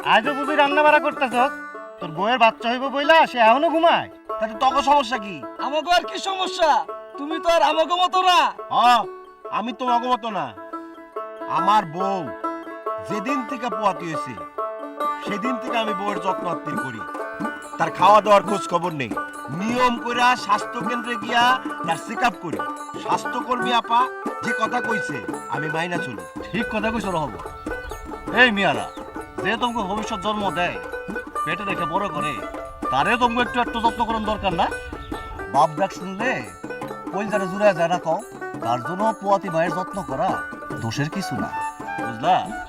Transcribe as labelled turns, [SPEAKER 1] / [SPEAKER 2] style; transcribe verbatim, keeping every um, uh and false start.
[SPEAKER 1] আজও বুঝি রান্না বাড়া করতেছ? তোর বউয়ের বাচ্চা হইব বইলা সে এখনো ঘুমায়?
[SPEAKER 2] তাতে তোর সমস্যা কি?
[SPEAKER 3] আমাকে আর কি সমস্যা? তুমি তো আর আমাকে মতো না।
[SPEAKER 2] হ্যাঁ, আমি তোমাকে মতো না। আমার বউ যেদিন থেকে পোয়াতি হয়েছে সেদিন থেকে আমি বউয়ের যত্ন আত্মীয় করি। তার খাওয়া দাওয়ার খোঁজ খবর নেই, নিয়ম করে স্বাস্থ্য কেন্দ্রে গিয়া তার চেক আপ করি। স্বাস্থ্যকর্মী আপা যে কথা কইছে আমি মাইনা চলি।
[SPEAKER 1] ঠিক কথা কইছ হব। এই মিয়ারা, যে তোমাকে ভবিষ্যৎ জন্ম দেয়, পেটে রেখে বড় করে, তারে তোমাকে একটু একটু যত্ন করার দরকার না? বাপ ডাক শুনলে কইল যারা জুড়ে যায় না কও, তার জন্য পোয়াতি মায়ের যত্ন করা দোষের কিছু না, বুঝলা?